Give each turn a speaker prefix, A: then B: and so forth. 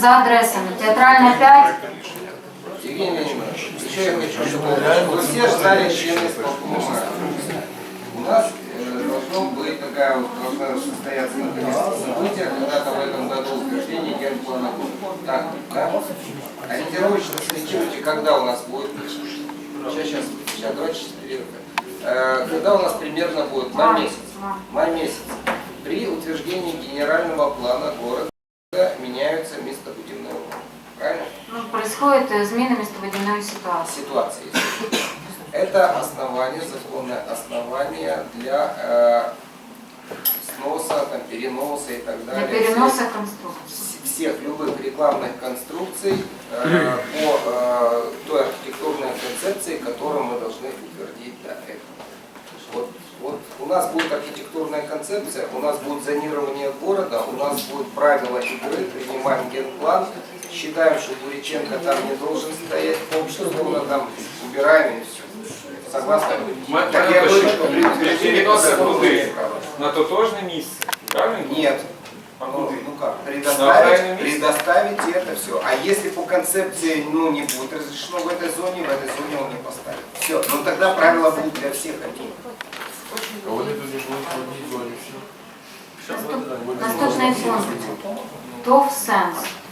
A: за адресами. Театральная 5.
B: Евгений Леонидович, еще я хочу, чтобы вы все ждали члены исполкома. У нас должно быть такая вот, должна состояться событие, когда-то в этом году утверждение генплана. Так, да? Ориентировочно сориентируйте, когда у нас будет. Сейчас, 24. Когда у нас примерно будет? Май месяц. Май месяц. При утверждении генерального плана города меняются местобудивные умовы. Правильно?
A: Ну, происходит измена местобудивной ситуации.
B: Это основание, законное основание для сноса, там, переноса и так далее.
A: Для переноса конструкций.
B: Всех любых рекламных конструкций по той архитектурной концепции, которую мы должны утвердить для этого. Вот у нас будет архитектурная концепция, у нас будет зонирование города, у нас будут правила игры, принимаем генплан, считаем, что Буряченко там не должен стоять, полчаса там убираем и все. Согласны? Так я говорю, что при переносе
C: на тотожне місце, правильно?
B: Нет. Ну как? Предоставить это все. А если по концепции не будет разрешено в этой зоне он не поставит. Все. Ну тогда правила будут для всех одни.
A: Наступний пункт. ТОВ «Сенс».